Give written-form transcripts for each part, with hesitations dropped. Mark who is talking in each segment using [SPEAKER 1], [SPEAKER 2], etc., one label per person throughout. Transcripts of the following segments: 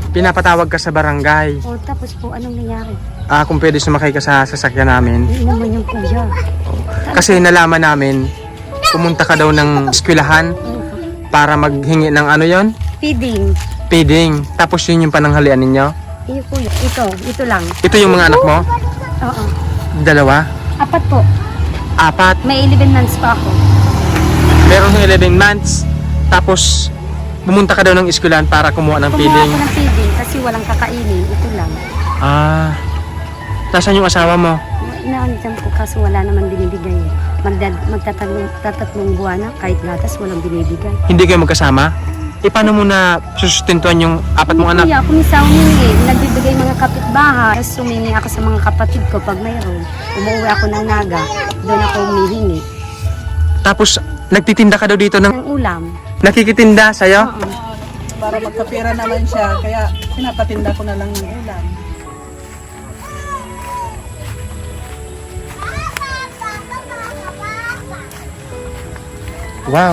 [SPEAKER 1] Pinapatawag ka sa barangay.
[SPEAKER 2] O tapos po, anong nangyari?
[SPEAKER 1] Kung pwede sumakay ka sa sasakyan namin.
[SPEAKER 2] Hindi naman yung kuya.
[SPEAKER 1] Kasi nalaman namin, pumunta ka daw ng eskwelahan para maghingi ng ano yon?
[SPEAKER 2] Feeding.
[SPEAKER 1] Feeding. Tapos yun yung pananghalian ninyo.
[SPEAKER 2] Iyo po, ito lang.
[SPEAKER 1] Ito yung mga anak mo?
[SPEAKER 2] Oo.
[SPEAKER 1] Dalawa?
[SPEAKER 2] 4 po.
[SPEAKER 1] 4?
[SPEAKER 2] May 11 months pa ako.
[SPEAKER 1] Meron 11 months. Tapos, pumunta ka daw ng eskwelahan para kumuha ng
[SPEAKER 2] Kumuha
[SPEAKER 1] feeding.
[SPEAKER 2] ako ng feeding kasi walang kakainin. Ito lang.
[SPEAKER 1] Nasaan yung asawa mo?
[SPEAKER 2] Inaandiyan po kaso wala naman binibigay. Magtatatlong buwan na kahit gatas walang binibigay.
[SPEAKER 1] Hindi kayo magkasama? Paano mo na susustentuhan yung 4 mong anak?
[SPEAKER 2] Kuya, kung minsan humingi, nagbibigay mga kapitbahay. Tapos humingi ako sa mga kapatid ko pag mayroon. Umuwi ako ng Naga, doon ako humihingi.
[SPEAKER 1] Tapos, nagtitinda ka daw dito ng
[SPEAKER 2] Ng ulam.
[SPEAKER 1] nakikitinda sa'yo?
[SPEAKER 2] Oo.
[SPEAKER 3] Para magkapira naman siya, kaya pinapatinda ko na lang ng ulam.
[SPEAKER 1] Wow.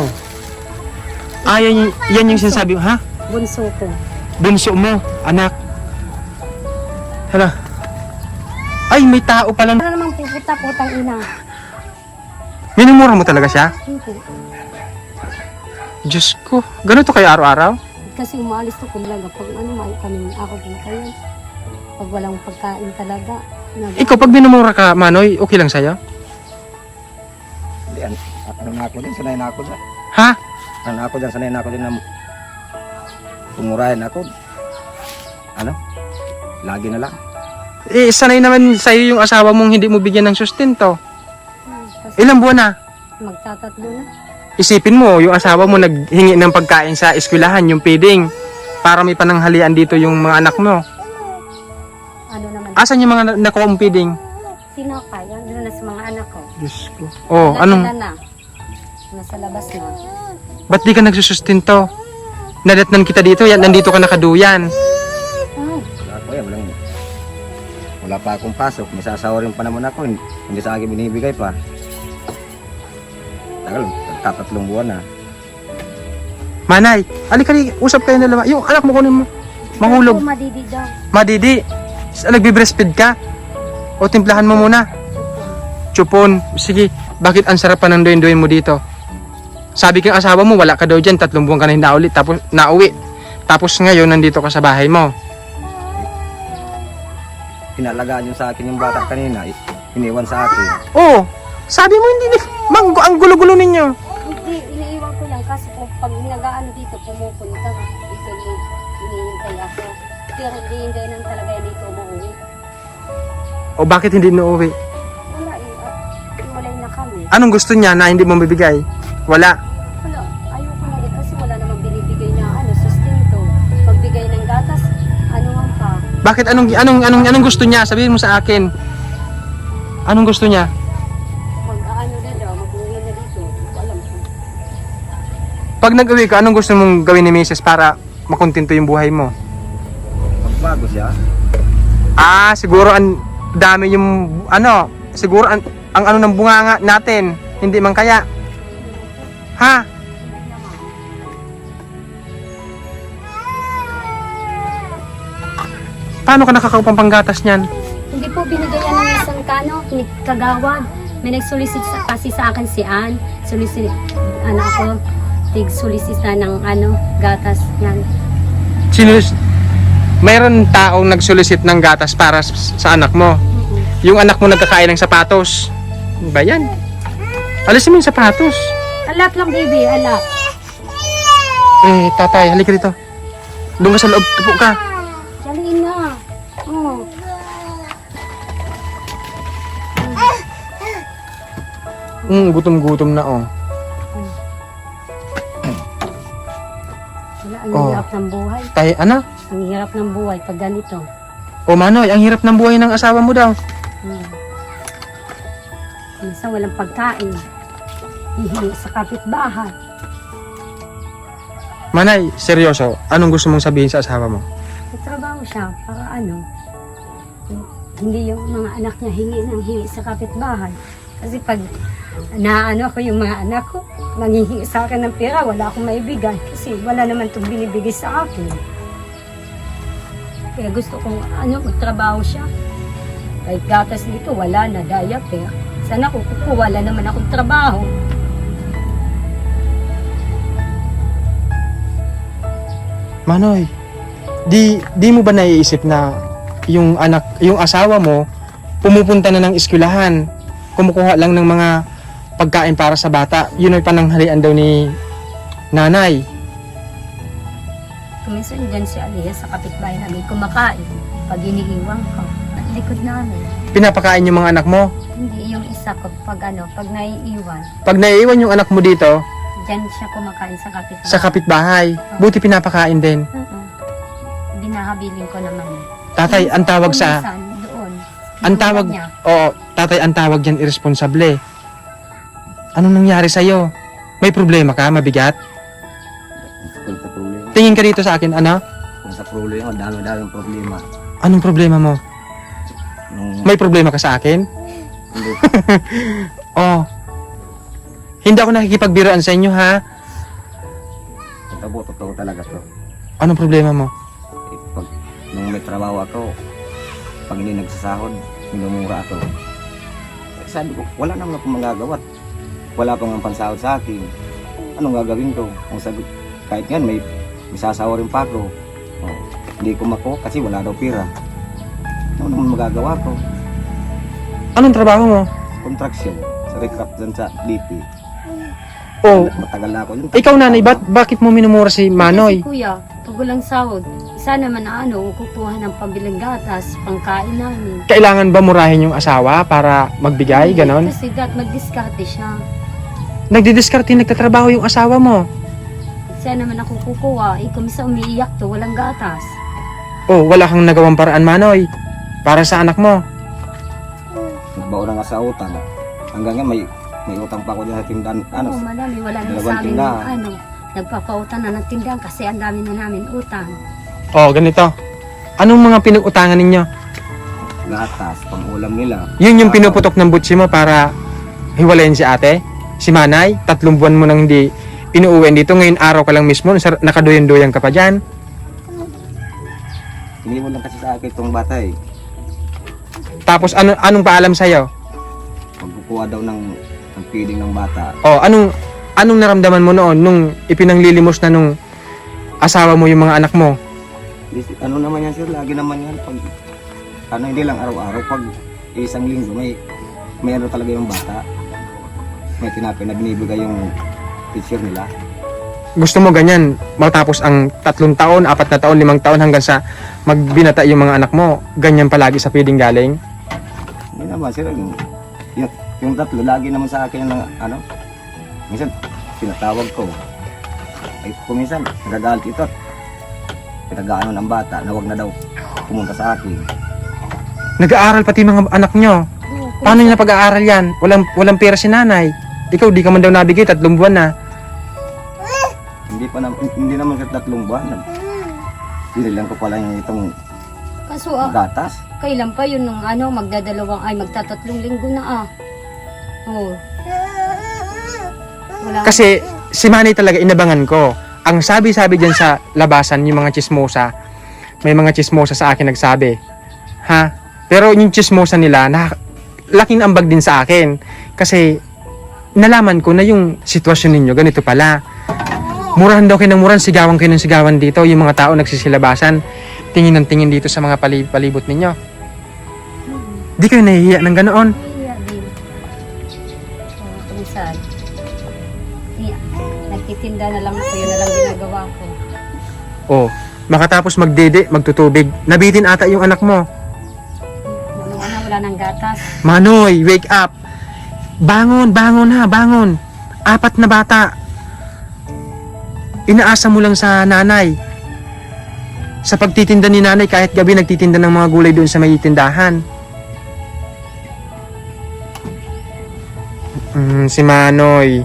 [SPEAKER 1] Yan yung sinasabi mo, ha?
[SPEAKER 2] Bunso ko.
[SPEAKER 1] Bunso mo, anak. Hala. Ay, may tao pala.
[SPEAKER 2] Ano namang puputa, putang ina.
[SPEAKER 1] Minumura mo talaga siya?
[SPEAKER 2] Hindi.
[SPEAKER 1] Diyos ko. Ganito kayo araw-araw?
[SPEAKER 2] Kasi umaalis to kumbaga pag ano may kami ako po kayo. Pag walang pagkain talaga.
[SPEAKER 1] Ikaw, pag minumura ka, Manoy, okay lang sa'yo?
[SPEAKER 4] Hindi, ano na ako din, sanay na ako dyan.
[SPEAKER 1] Ha?
[SPEAKER 4] Ano na ako dyan, sanay na ako din na pumurahin ako. Ano? Lagi na lang.
[SPEAKER 1] Sanay naman sa'yo yung asawa mong hindi mo bigyan ng sustento.
[SPEAKER 2] Kasi
[SPEAKER 1] Ilang buwan na?
[SPEAKER 2] magtatatlo na.
[SPEAKER 1] Isipin mo, yung asawa mo naghingi ng pagkain sa eskwelahan, yung feeding, para may pananghalian dito yung mga anak mo.
[SPEAKER 2] Ano naman?
[SPEAKER 1] Asan yung mga nakuha mong feeding?
[SPEAKER 2] Sino kaya? Doon na sa mga anak ko.
[SPEAKER 1] Diyos ko. Oh,
[SPEAKER 2] Sila
[SPEAKER 1] anong,
[SPEAKER 2] na. Nasa labas na.
[SPEAKER 1] ba't di ka nagsusustento? Nadatnan kita dito, yan, nandito ka nakaduyan.
[SPEAKER 4] Wala ko yan, wala pa akong pasok. May sasawa rin pa naman ako, hindi sa akin binibigay pa. Tagal, tatlong buwan na.
[SPEAKER 1] Manay, alikali, usap kayo na naman. Yung anak mo kunin mo. Mahulog.
[SPEAKER 2] Ako, madidi daw.
[SPEAKER 1] Madidi, nagbe-breastfeed ka? O timplahan mo muna? Chupon. Sige, bakit ang sarap pa ng doyin-doyin mo dito? Sabi kang asawa mo, wala ka daw dyan, 3 buwan ka na hindi tapos nauwi. Tapos ngayon, nandito ka sa bahay mo.
[SPEAKER 4] Pinalagaan yung sa akin yung bata kanina, iniwan sa akin.
[SPEAKER 1] Oh, sabi mo hindi, ang gulo-gulo ninyo.
[SPEAKER 2] Hindi, iniiwan ko lang kasi pag nag-aano dito, pumupunta. Dito yung hinihintay ako. Pero hindi lang talaga yan dito umuwi.
[SPEAKER 1] O bakit hindi nauwi?
[SPEAKER 2] Wala eh, iwalay na kami.
[SPEAKER 1] Anong gusto niya na hindi mo mabibigay? Wala.
[SPEAKER 2] Wala, ayoko na rin kasi wala namang binibigay na sustento. Pagbigay ng gatas, ano man pa.
[SPEAKER 1] Bakit anong gusto niya? Sabihin mo sa akin. Anong gusto niya?
[SPEAKER 2] Mag-aano na daw, mag-uwi na dito. Alam ko.
[SPEAKER 1] Pag nag-uwi ka, anong gusto mong gawin ni Mrs. para makontento yung buhay mo?
[SPEAKER 4] Magbago siya,
[SPEAKER 1] Siguro ang dami yung siguro ang ano ng bunganga natin, hindi man kaya. Ha? Paano ka nakakaupang panggatas niyan?
[SPEAKER 2] Hindi po binigayan ng isang kagawad. May nag-solicit kasi sa akin si Ann. Solicit, ako, tig-solicit na ng gatas yan.
[SPEAKER 1] Mayroon taong nag-solicit ng gatas para sa anak mo. Yung anak mo nagkakain ng sapatos. Ano ba yan? Alisin mo yung sapatos.
[SPEAKER 2] Alak lang, baby, alak.
[SPEAKER 1] Tatay, halika dito. Doon ka sa loob, tupo ka.
[SPEAKER 2] Daliin na. Oh.
[SPEAKER 1] Gutom-gutom na, oh.
[SPEAKER 2] Wala, ang
[SPEAKER 1] Oh.
[SPEAKER 2] hirap ng buhay.
[SPEAKER 1] Tay, ano?
[SPEAKER 2] Ang hirap ng buhay pag ganito.
[SPEAKER 1] O Manoy, ang hirap ng buhay ng asawa mo daw.
[SPEAKER 2] Minsan walang pagkain. Hihingi sa kapitbahay.
[SPEAKER 1] Manay, seryoso, anong gusto mong sabihin sa asawa mo?
[SPEAKER 2] Nagtrabaho siya para hindi yung mga anak niya hingi sa kapitbahay. Kasi pag ako yung mga anak ko, nanghihingi sa akin ng pera, wala akong maibigay. Kasi wala naman itong binibigay sa akin. Kaya gusto kong magtrabaho siya. Kahit gatas dito, wala na, diaper. Sana ko wala naman akong trabaho.
[SPEAKER 1] Manoy, di mo ba naiisip na yung asawa mo, pumupunta na ng eskwelahan, kumukuha lang ng mga pagkain para sa bata, yun ay pananghalian daw ni nanay.
[SPEAKER 2] Kuminsan dyan si Aliyah sa kapitbahay namin kumakain. Pag iniiwan ko, at likod namin.
[SPEAKER 1] Pinapakain yung mga anak mo.
[SPEAKER 2] Hindi yung isa ko pag naiiwan.
[SPEAKER 1] Pag naiiwan yung anak mo dito,
[SPEAKER 2] Dyan siya kumakain sa kapitbahay.
[SPEAKER 1] sa kapitbahay, buti pinapakain din.
[SPEAKER 2] Binahabilin ko naman.
[SPEAKER 1] Tatay, ang tawag sa...
[SPEAKER 2] Kuminsan, doon.
[SPEAKER 1] Ang tawag...
[SPEAKER 2] Niya.
[SPEAKER 1] Oo, tatay, ang tawag dyan irresponsable. Anong nangyari sa'yo? May problema ka? Mabigat?
[SPEAKER 4] Kung sa problema,
[SPEAKER 1] Tingin ka dito sa akin, ano?
[SPEAKER 4] kung sa problema, dami-daming problema.
[SPEAKER 1] Anong problema mo?
[SPEAKER 4] Nung,
[SPEAKER 1] May problema ka sa akin?
[SPEAKER 4] hindi,
[SPEAKER 1] Oh. Hindi ako nakikipagbiroan sa inyo, ha?
[SPEAKER 4] totoo talaga to.
[SPEAKER 1] Anong problema mo?
[SPEAKER 4] Eh, nung may trabaho ako, pag hindi nagsasahod, minumura ako. Eh, sabi ko, wala naman akong magagawa. Wala pang ang pansahod sa akin. Anong gagawin ko? Ang sabi, kahit yan, may sasawa rin pa ako. Oh, hindi ko mako kasi wala daw pira. Ano naman magagawa ko?
[SPEAKER 1] Anong trabaho mo?
[SPEAKER 4] Contraction sa recraft dyan sa DP.
[SPEAKER 1] Oh,
[SPEAKER 4] Matagal na ako yun.
[SPEAKER 1] ikaw nanay, bakit mo minumura si Manoy?
[SPEAKER 2] Kasi kuya, pag walang sahod, isa naman na kukuha ng pambilang gatas, pangkain namin.
[SPEAKER 1] Kailangan ba murahin yung asawa para magbigay, ganon?
[SPEAKER 2] Kasi magdiskarte siya.
[SPEAKER 1] Nagdidiskarte, nagtatrabaho yung asawa mo.
[SPEAKER 2] Siya naman ako kukuha, kumisa umiiyak to, walang gatas.
[SPEAKER 1] Oh, wala kang nagawang paraan, Manoy. Para sa anak mo.
[SPEAKER 4] Nagbaon na nga sa utang. Hanggang ngayon may utang pa ako dyan sa tindahan. Ano?
[SPEAKER 2] Oo, madami, wala na
[SPEAKER 4] dalawang
[SPEAKER 2] sa amin
[SPEAKER 4] tindahan.
[SPEAKER 2] nagpapautang na ng tindahan kasi ang dami na namin utang.
[SPEAKER 1] Oh, ganito. Anong mga pinag-utangan ninyo?
[SPEAKER 4] Gatas, pang-ulam nila.
[SPEAKER 1] Yun yung pinuputok ng butsi mo para hiwalayin si ate? Si Manay? 3 buwan mo nang hindi inuuwi dito. Ngayon araw ka lang mismo, nakaduyan-duyan ka pa dyan.
[SPEAKER 4] Iniwan lang kasi sa akin itong bata eh.
[SPEAKER 1] Tapos anong paalam sa'yo?
[SPEAKER 4] Pagkukuha daw ng feeding ng bata.
[SPEAKER 1] Oh, anong naramdaman mo noon nung ipinanglilimos na nung asawa mo yung mga anak mo?
[SPEAKER 4] Ano naman yan sir, lagi naman yan. Pag, hindi lang araw-araw. Pag isang linggo, may ano talaga yung bata. May tinapay na binibigay yung teacher nila.
[SPEAKER 1] Gusto mo ganyan, matapos ang 3 taon, 4 na taon, 5 taon hanggang sa magbinata yung mga anak mo, ganyan palagi sa feeding galing?
[SPEAKER 4] Hindi naman sir, yung tatlo, lagi naman sa akin ng ano. Minsan, tinatawag ko. Ay, kung minsan, nagagalit ito. Pinag-ano ng bata na wag na daw pumunta sa akin.
[SPEAKER 1] Nag-aaral pati mga anak nyo. Paano nyo napag-aaral yan? Walang pera si nanay. Ikaw, di ka man daw nabigay, 3 buwan na.
[SPEAKER 4] Hindi naman sa 3 buwan. Binilang ko pala yung itong
[SPEAKER 2] Kaso
[SPEAKER 4] gatas.
[SPEAKER 2] kailan pa yun nung magtatatlong linggo na Oh. Wala.
[SPEAKER 1] Kasi si Manny talaga inabangan ko. Ang sabi-sabi dyan sa labasan, yung mga chismosa, may mga chismosa sa akin nagsabi. Ha? Pero yung chismosa nila, laking ambag din sa akin. Kasi nalaman ko na yung sitwasyon ninyo, ganito pala. Murahan daw kayo ng murahan, sigawan kayo ng sigawan dito. Yung mga tao nagsisilabasan, tingin ng tingin dito sa mga palibot ninyo. Di kayo nahihiya ng ganoon.
[SPEAKER 2] Iya din. Minsan. Nagtitinda na lang ako, yun na lang ginagawa ko.
[SPEAKER 1] Oh, makatapos magdede, magtutubig, nabitin ata yung anak mo.
[SPEAKER 2] Wala nang gatas.
[SPEAKER 1] Manoy, wake up! Bangon, bangon ha, bangon! 4 na bata. Inaasa mo lang sa nanay. Sa pagtitinda ni nanay, kahit gabi nagtitinda ng mga gulay doon sa may tindahan. Si Manoy.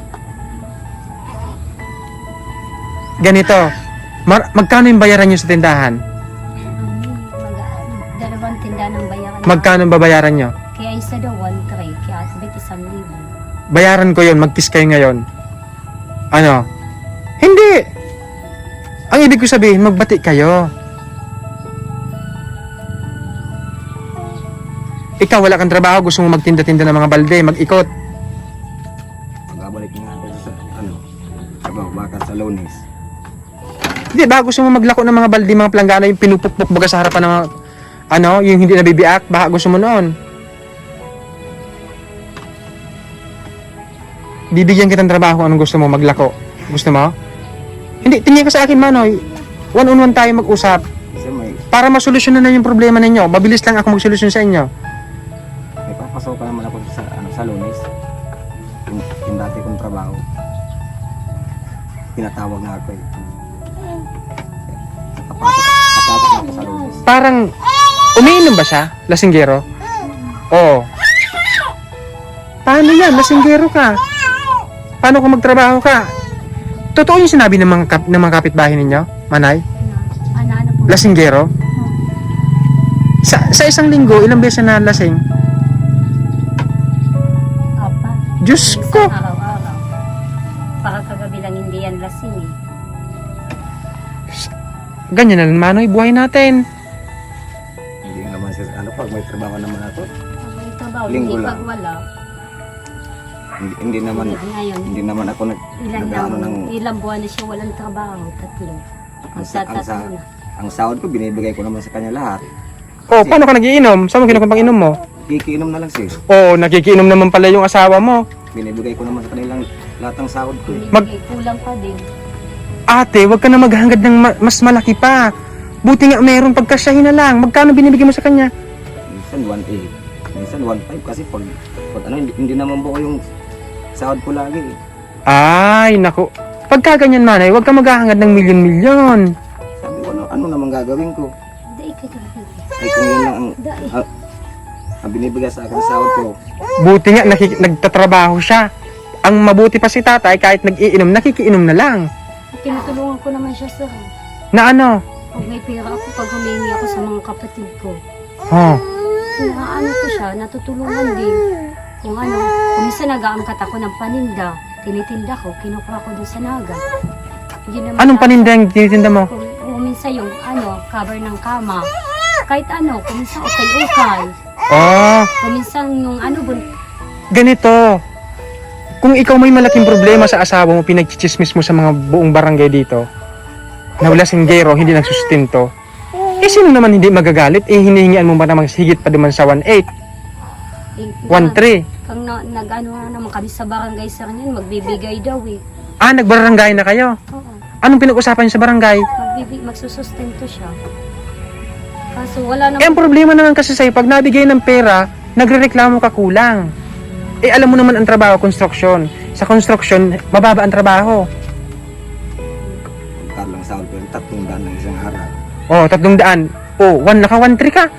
[SPEAKER 1] Ganito, magkano yung bayaran nyo sa tindahan?
[SPEAKER 2] Dalawang tinda ng bayaran.
[SPEAKER 1] Magkano ang babayaran nyo?
[SPEAKER 2] Kaya isa daw 1,300, kaya asbit 1,000.
[SPEAKER 1] Bayaran ko yun, mag-kiss kayo ngayon. Ano? Hindi! Ang ibig ko sabihin, magbati kayo. Ikaw, wala kang trabaho, gusto mo magtinda-tinda ng mga balde, mag-ikot.
[SPEAKER 4] Magbabalik nga ako sa baka sa Lunes.
[SPEAKER 1] Hindi ba, gusto mo maglako ng mga balde, mga planggana, yung pinupukpok baga sa harapan ng mga, yung hindi nabibiak, baka gusto mo noon. Bibigyan kitang trabaho, anong gusto mo, maglako. Gusto mo? Hindi, tingin ka sa akin, Manoy. One-on-one tayo mag-usap.
[SPEAKER 4] Kasi
[SPEAKER 1] Para masolusyonan na yung problema ninyo. Mabilis lang ako magsolusyon sa inyo.
[SPEAKER 4] may papasokan naman ako sa Lunes. Yung dati kong trabaho. Tinatawag na ako eh. Napapasok na ako sa Lunes.
[SPEAKER 1] Parang, umiinom ba siya? Lasinggero? Oo. Paano yan? Lasinggero ka. Paano kung magtrabaho ka? Totoo yung sinabi ng mga kapitbahay ninyo, Manay?
[SPEAKER 2] Ano po?
[SPEAKER 1] Lasinggero? Sa isang linggo, ilang beses na lasing?
[SPEAKER 2] Apat.
[SPEAKER 1] Diyos
[SPEAKER 2] Minsan
[SPEAKER 1] ko!
[SPEAKER 2] araw-araw. Para kagabi lang hindi yan lasing eh.
[SPEAKER 1] Ganyan na lang, Manoy, buhay natin.
[SPEAKER 4] Hindi naman siya, pag may trabaho naman ako,
[SPEAKER 2] May trabaho,
[SPEAKER 4] Linggo
[SPEAKER 2] hindi
[SPEAKER 4] lang.
[SPEAKER 2] pag wala.
[SPEAKER 4] hindi naman,
[SPEAKER 2] Ngayon,
[SPEAKER 4] hindi naman ako
[SPEAKER 2] ilang buwan na siya walang trabaho, 3. Magtatatlo na.
[SPEAKER 4] ang sahod ko, binibigay ko naman sa kanya lahat.
[SPEAKER 1] Oh, paano ka nagiinom? Saan mo kinukumpang inom mo?
[SPEAKER 4] Kikiinom na lang siya.
[SPEAKER 1] Oh, nakikiinom naman pala yung asawa mo.
[SPEAKER 4] Binibigay ko naman sa kanilang lahat ng sahod ko.
[SPEAKER 2] Binibigay, kulang pa din.
[SPEAKER 1] Ate, wag ka na maghangad ng mas malaki pa. Buti nga mayroong pagkasyahin na lang. Magkano binibigay mo sa kanya?
[SPEAKER 4] Minsan 1.8, minsan 1.5 kasi pag hindi naman buo yung sahod ko lagi.
[SPEAKER 1] Ay, naku. Pagka ganyan, Manay, wag ka maghahangad ng milyon-milyon.
[SPEAKER 4] Sabi ko, ano naman gagawin ko?
[SPEAKER 2] Dai ka gagawin.
[SPEAKER 4] Ay kung yun lang
[SPEAKER 2] Dai.
[SPEAKER 4] ang binibigay sa akin sahod ko.
[SPEAKER 1] Buti nga nagtatrabaho siya. Ang mabuti pa si tatay, kahit nag-iinom, nakikiinom na lang.
[SPEAKER 2] Tinutulungan ko naman siya sa
[SPEAKER 1] Na ano?
[SPEAKER 2] pag may pera ako, pag humingi ako sa mga kapatid ko.
[SPEAKER 1] Oh.
[SPEAKER 2] Ano ko siya, natutulungan din. Kung ano, kung minsan nag-aangkat ako ng paninda, tinitinda ko, kinukuha ko dun sa naga. Hindi naman
[SPEAKER 1] Anong
[SPEAKER 2] ako-
[SPEAKER 1] paninda yung tinitinda mo?
[SPEAKER 2] Kung minsan yung cover ng kama. Kahit kung minsan ukay-ukay.
[SPEAKER 1] Oh,
[SPEAKER 2] Kung minsan yung
[SPEAKER 1] ganito. Kung ikaw may malaking problema sa asawa mo, pinagchichismis mo sa mga buong barangay dito, na wala singgero, hindi nagsustinto, sino naman hindi magagalit? Hinihingian mo ba naman higit pa duman sa 1.8, 1.3?
[SPEAKER 2] Kung nag-ano na naman kami sa barangay sa kanya, magbibigay daw eh.
[SPEAKER 1] Nagbarangay na kayo?
[SPEAKER 2] Oo.
[SPEAKER 1] Anong pinag-usapan niyo sa barangay?
[SPEAKER 2] Magsusustento siya. Kaso wala
[SPEAKER 1] Ang
[SPEAKER 2] naman.
[SPEAKER 1] problema naman kasi sa'yo, pag nabigay ng pera, nagrereklamo ka kulang. Alam mo naman ang trabaho, construction. Sa construction, mababa ang trabaho.
[SPEAKER 4] Pagkar lang sahod ko yung 300 ng isang araw.
[SPEAKER 1] Oh, 300. Oh, naka 1.3 ka.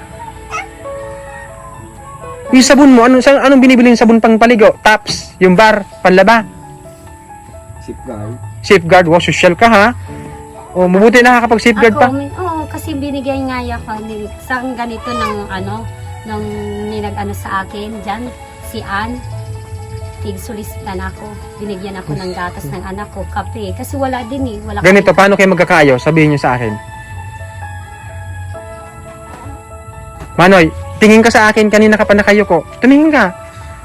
[SPEAKER 1] Yung sabon mo, anong binibili yung sabon pang paligo? Tops, yung bar, panlaba.
[SPEAKER 4] Safeguard.
[SPEAKER 1] Safeguard, wow, social ka ha. Oh, mabuti nakakapag-safeguard pa.
[SPEAKER 2] Kasi binigay nga ako sa ganito ng ng ninag sa akin dyan, si Ann. Tig-solicitan ako. Binigyan ako ng gatas ng anak ko, kape. Kasi wala din eh. Wala
[SPEAKER 1] Ganito,
[SPEAKER 2] kaming-
[SPEAKER 1] paano kayo magkakayo? Sabihin nyo sa akin. Manoy, tingin ka sa akin, kanina ka pa nakayo ko. Tumingin ka.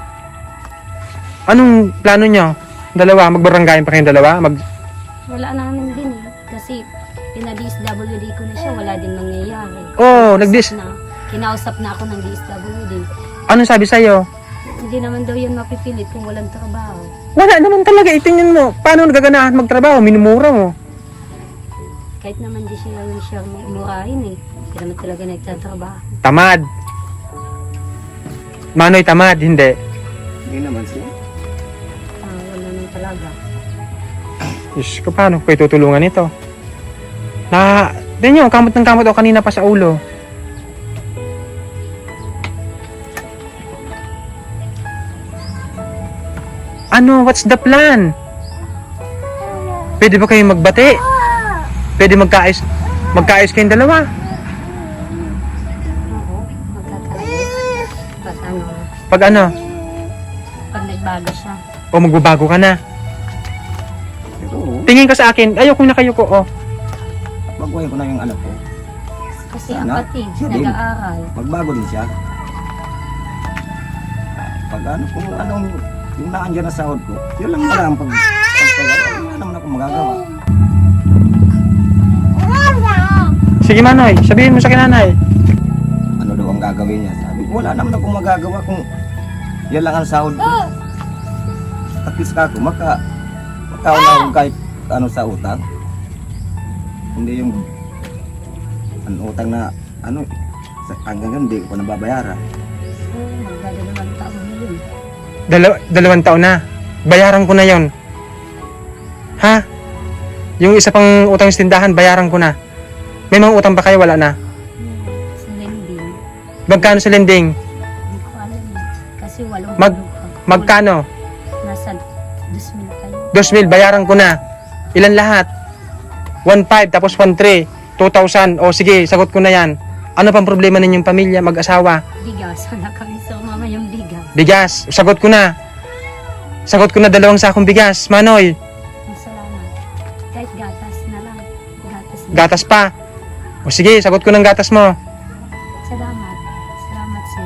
[SPEAKER 1] Anong plano nyo? Dalawa, magbaranggayan pa kayong dalawa?
[SPEAKER 2] Wala namin din eh. Kasi pina-DSWD ko na siya, wala din nangyayari.
[SPEAKER 1] Oh,
[SPEAKER 2] Kinausap na ako ng DSWD.
[SPEAKER 1] Anong sabi sa'yo?
[SPEAKER 2] Hindi naman daw yun mapipilit kung walang trabaho.
[SPEAKER 1] Wala naman talaga, itingnan mo. Paano nagaganahan magtrabaho? Minumura mo.
[SPEAKER 2] Kahit naman di siya murahin eh. Hindi naman talaga nagtatrabaho.
[SPEAKER 1] Tamad. Manoy, tamad, hindi.
[SPEAKER 4] Hindi naman siya.
[SPEAKER 2] Wala naman talaga.
[SPEAKER 1] Diyos ko, paano ko kayo tutulungan ito? Tignan nyo, kamot ng kamot ako kanina pa sa ulo. What's the plan? Pwede ba kayong magbati? Pwede magkaayos kayong dalawa?
[SPEAKER 2] Oo, magkakaroon.
[SPEAKER 1] Pag ano?
[SPEAKER 2] Pag nagbago siya.
[SPEAKER 1] O magbabago ka na?
[SPEAKER 4] Pero,
[SPEAKER 1] Tingin ka sa akin, ayoko na kayo ko, oh.
[SPEAKER 4] baguhin ko na yung anak ko.
[SPEAKER 2] Kasi
[SPEAKER 4] Sana,
[SPEAKER 2] kapatid,
[SPEAKER 4] siya din.
[SPEAKER 2] nag-aaral.
[SPEAKER 4] Magbago din siya. Pag ano, kung anong, yung naandyan na sahod ko, yun lang wala ang pagtagal. Wala naman akong magagawa.
[SPEAKER 1] Sige Manoy, sabihin mo sa kinanay.
[SPEAKER 4] Ano daw ang gagawin niya? Sabi ko, wala naman akong magagawa kung yan lang ang sahod ko. At least ako, makauna akong kahit ano sa utang. Hindi yung ang utang na ano, hanggang ngayon, hindi ko pa nababayaran.
[SPEAKER 2] Magdadalawang taon na yun.
[SPEAKER 1] 2 taon na. Bayaran ko na yon. Ha? Yung isa pang utang sa tindahan, bayaran ko na. May mga utang pa kayo? Wala na.
[SPEAKER 2] Sa lending.
[SPEAKER 1] Magkano sa lending?
[SPEAKER 2] Hindi ko alam eh. Kasi walang
[SPEAKER 1] Magkano?
[SPEAKER 2] Nasa 2,000 kayo.
[SPEAKER 1] 2,000, bayaran ko na. Ilan lahat? 1,500 tapos 1,300. 2,000. O sige, sagot ko na yan. Ano pang problema ninyong pamilya, mag-asawa?
[SPEAKER 2] Bigas. Wala kami sa mama yung bigas.
[SPEAKER 1] Bigas. Sagot ko na. Sagot ko na 2 sakong bigas. Manoy,
[SPEAKER 2] Salamat. Kahit gatas na lang. Gatas na.
[SPEAKER 1] gatas pa. O sige, sagot ko ng gatas mo.
[SPEAKER 2] Salamat. Salamat, sir.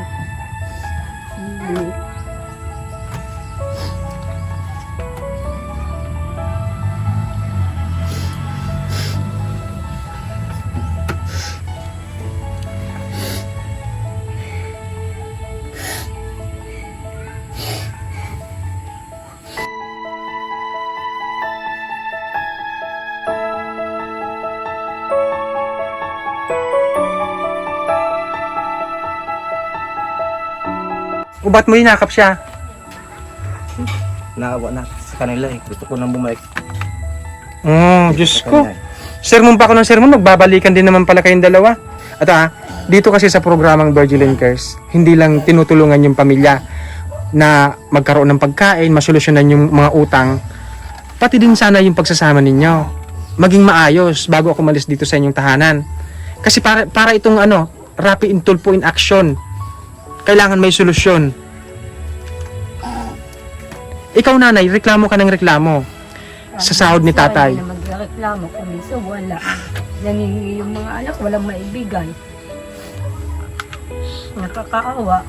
[SPEAKER 1] O ba't mo hinakap siya?
[SPEAKER 4] Naawa na sa kanila eh. Gusto ko nang bumalik.
[SPEAKER 1] Diyos
[SPEAKER 4] sa
[SPEAKER 1] ko.
[SPEAKER 4] kanya eh.
[SPEAKER 1] Sermon pa ako ng sermon, magbabalikan din naman pala kayong dalawa. At dito kasi sa programang Virgil and Curse, hindi lang tinutulungan yung pamilya na magkaroon ng pagkain, masolusyonan yung mga utang, pati din sana yung pagsasama ninyo. Maging maayos bago ako malis dito sa inyong tahanan. Kasi para itong rapid and tulpo in action. Kailangan may solusyon. Ikaw nanay, reklamo ka ng reklamo sa sahod ni tatay.
[SPEAKER 2] Hindi na magreklamo kung minsan wala. Nangingi yung mga anak, walang maibigay. Nakakaawa.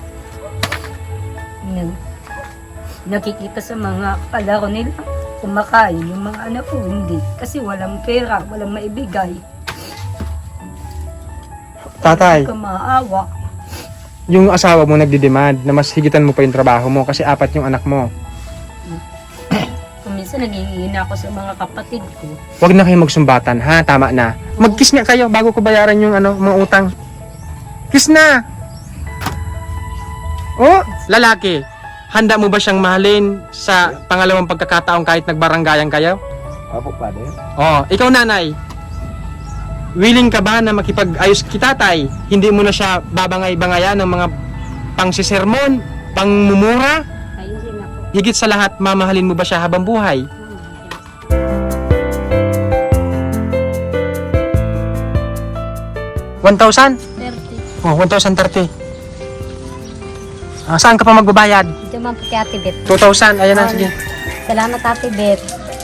[SPEAKER 2] Nakikita sa mga kalaro nila, kumakain yung mga anak ko, hindi. Kasi walang pera, walang maibigay.
[SPEAKER 1] Tatay,
[SPEAKER 2] Hindi ka maawa.
[SPEAKER 1] yung asawa mo nagdidemand na mas higitan mo pa yung trabaho mo kasi 4 yung anak mo.
[SPEAKER 2] Kung minsan naghihingi na ako sa mga kapatid ko.
[SPEAKER 1] Huwag na kayo magsumbatan, ha? Tama na. Mag-kiss nga kayo bago ko bayaran yung mga utang. Kiss na! Oh, lalaki. Handa mo ba siyang mahalin sa pangalawang pagkakataon kahit nagbaranggayan kayo?
[SPEAKER 4] Opo, Father.
[SPEAKER 1] Oh, ikaw nanay. Willing ka ba na makipag-ayos kay tatay? Hindi mo na siya babangay-bangayan ng mga pangsisermon, pangmumura?
[SPEAKER 2] Ay, hindi na po.
[SPEAKER 1] Higit sa lahat, mamahalin mo ba siya habang buhay? 1,000?
[SPEAKER 2] 30.
[SPEAKER 1] Oh, 1,030. Saan ka pa magbabayad?
[SPEAKER 2] Ito man po kay Ate Bet.
[SPEAKER 1] 2,000. Ayan na, sige.
[SPEAKER 2] Salamat Ate Bet.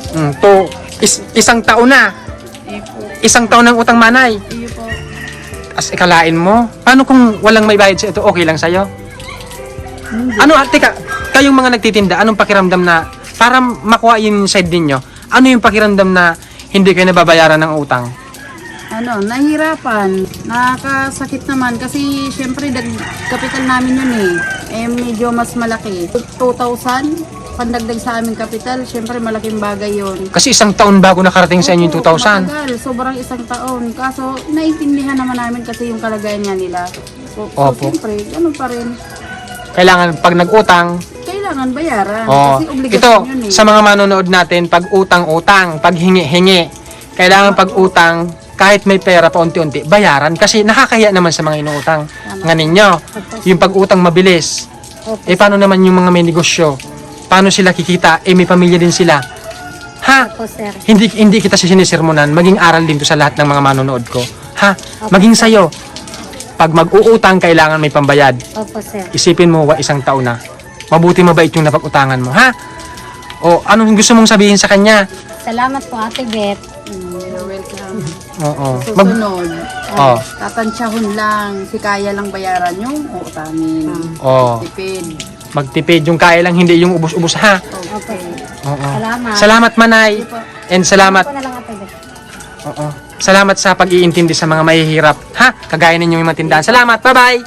[SPEAKER 1] Isang taon na. Isang taon ng utang manay.
[SPEAKER 3] Iyo po.
[SPEAKER 1] As ikalain mo. Paano kung walang may bayad sa ito? Okay lang sa'yo? Ano, teka, kayong mga nagtitinda, anong pakiramdam na, para makuha yung side ninyo, ano yung pakiramdam na hindi kayo nababayaran ng utang?
[SPEAKER 3] Nahirapan. Nakakasakit naman kasi syempre kapital namin yun medyo mas malaki. 2,000 pandagdag sa aming kapital, syempre malaking bagay yun.
[SPEAKER 1] Kasi isang taon bago nakarating sa inyo yung 2,000.
[SPEAKER 3] Matagal, sobrang isang taon. Kaso naiintindihan naman namin kasi yung kalagayan nga nila. So
[SPEAKER 1] Opo.
[SPEAKER 3] syempre, ganun pa rin.
[SPEAKER 1] Kailangan pag nag-utang,
[SPEAKER 3] Kailangan bayaran.
[SPEAKER 1] oh,
[SPEAKER 3] Kasi
[SPEAKER 1] ito,
[SPEAKER 3] obligasyon yun
[SPEAKER 1] sa mga manonood natin, pag utang-utang, pag hingi-hingi, kailangan pag utang, kahit may pera pa unti-unti, bayaran. Kasi nakakahiya naman sa mga inuutang. Nga ninyo, yung pag-utang mabilis. Paano naman yung mga may negosyo? Paano sila kikita? May pamilya din sila. Ha?
[SPEAKER 2] Opo, sir.
[SPEAKER 1] Hindi kita sinisermonan. Maging aral din to sa lahat ng mga manonood ko. Ha? Maging sayo. Pag mag-uutang, kailangan may pambayad.
[SPEAKER 2] Opo, sir.
[SPEAKER 1] Isipin mo, isang taon na. Mabuti mabait yung napag-utangan mo, ha? O, anong gusto mong sabihin sa kanya?
[SPEAKER 2] Salamat po Ate Bet.
[SPEAKER 3] Welcome.
[SPEAKER 1] Oo.
[SPEAKER 3] Susunod.
[SPEAKER 1] Oh.
[SPEAKER 3] Tatansyahon lang. Si kaya lang bayaran yung utangin.
[SPEAKER 1] Oh.
[SPEAKER 3] Tipid.
[SPEAKER 1] Magtipid yung kaya lang, hindi yung ubos-ubos ha.
[SPEAKER 2] Okay.
[SPEAKER 1] Oo.
[SPEAKER 2] Salamat.
[SPEAKER 1] Salamat Manay. And salamat.
[SPEAKER 2] Ako na lang ate.
[SPEAKER 1] Oo. Salamat sa pag-iintindi sa mga mahihirap. Ha? Kagaya ninyo yung mga tindahan. Salamat. Bye-bye.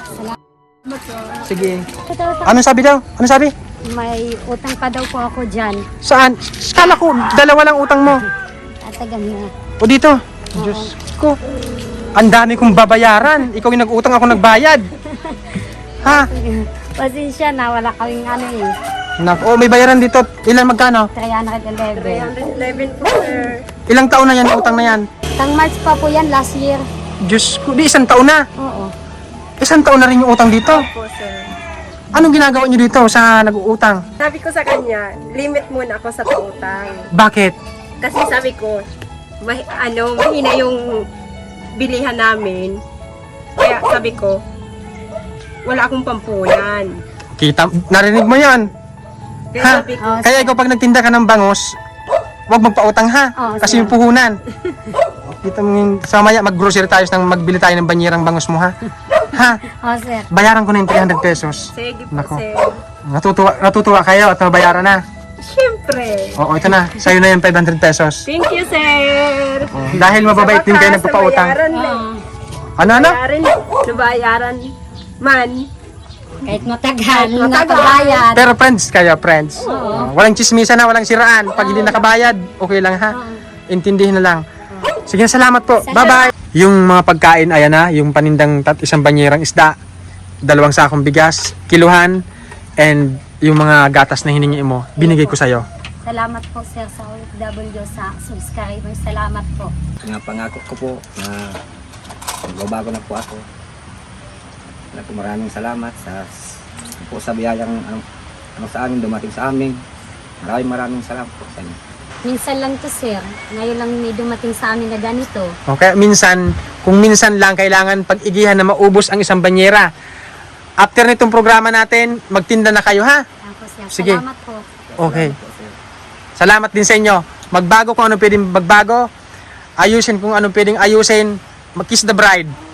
[SPEAKER 1] Sige. Anong sabi daw? Anong sabi?
[SPEAKER 2] May utang pa daw po ako dyan.
[SPEAKER 1] Saan? Kala ko, dalawa lang utang mo.
[SPEAKER 2] Tatagan na.
[SPEAKER 1] O dito. Diyos ko. Ang dami kong babayaran. Ikaw yung nag-utang, ako nagbayad. Ha?
[SPEAKER 2] Pasensya na, wala kaming ano eh.
[SPEAKER 1] Nako, may bayaran dito. Ilan magkano?
[SPEAKER 2] 311.
[SPEAKER 5] 311 po, sir.
[SPEAKER 1] Ilang taon na yan, utang na yan?
[SPEAKER 2] Tang March pa po yan, last year.
[SPEAKER 1] Diyos ko, di isang taon na.
[SPEAKER 2] Oo.
[SPEAKER 1] Isang taon na rin yung utang dito.
[SPEAKER 5] Po, sir.
[SPEAKER 1] Anong ginagawa niyo dito sa nag-uutang?
[SPEAKER 5] Sabi ko sa kanya, limit muna ako sa pautang.
[SPEAKER 1] Bakit?
[SPEAKER 5] Kasi sabi ko, mahina yung bilihan namin. Kaya sabi ko, wala akong pampunan.
[SPEAKER 1] Kita, narinig mo yan.
[SPEAKER 5] Kaya
[SPEAKER 1] Ha?
[SPEAKER 5] sabi ko,
[SPEAKER 2] Oh,
[SPEAKER 1] Kaya ikaw pag nagtinda ka ng bangos, huwag magpautang ha.
[SPEAKER 2] Oo,
[SPEAKER 1] Kasi
[SPEAKER 2] sir.
[SPEAKER 1] yung puhunan. Dito sa maya, mag-grocery tayo nang magbili tayo ng banyerang bangos mo ha. Ha?
[SPEAKER 2] Oh, sir.
[SPEAKER 1] Bayaran ko na yung 300 pesos.
[SPEAKER 5] sige po,
[SPEAKER 1] Nako.
[SPEAKER 5] sir.
[SPEAKER 1] Natutuwa kayo at nabayaran na.
[SPEAKER 5] Siyempre.
[SPEAKER 1] Oo, ito na. Sa'yo na yung 500 pesos.
[SPEAKER 5] Thank you, sir.
[SPEAKER 1] Dahil mababait din kayo nagpapautang.
[SPEAKER 5] Nabayaran
[SPEAKER 2] Oo.
[SPEAKER 1] Ano?
[SPEAKER 5] Nabayaran man.
[SPEAKER 2] Kahit matagal,
[SPEAKER 5] Matagal.
[SPEAKER 2] nakabayad.
[SPEAKER 1] Pero friends kayo, friends. Walang chismisan na, walang siraan. Pag hindi nakabayad, okay lang ha. Intindihin na lang. Sige, salamat po. Bye-bye. Yung mga pagkain, ayan na. Yung panindang isang banyerang isda, 2 sakong bigas, kiluhan, and yung mga gatas na hiningi mo, binigay ko sa'yo.
[SPEAKER 2] Salamat po, sir, sa OFW, sa subscriber. Salamat po.
[SPEAKER 4] Pangako ko po na magbabago na po ako. Maraming salamat sa biyayang ano sa amin, dumating sa amin. Maraming salamat po sa inyo.
[SPEAKER 2] Minsan lang to, sir. Ngayon lang may dumating sa amin na ganito.
[SPEAKER 1] Okay, kung minsan lang kailangan pag-igihan na maubos ang isang banyera. After nitong programa natin, magtinda na kayo ha.
[SPEAKER 2] Ayan po, sir.
[SPEAKER 1] Sige.
[SPEAKER 2] Salamat po.
[SPEAKER 1] Okay. Salamat din sa inyo. Magbago kung ano pwedeng magbago. Ayusin kung ano pwedeng ayusin. Mag-kiss the bride.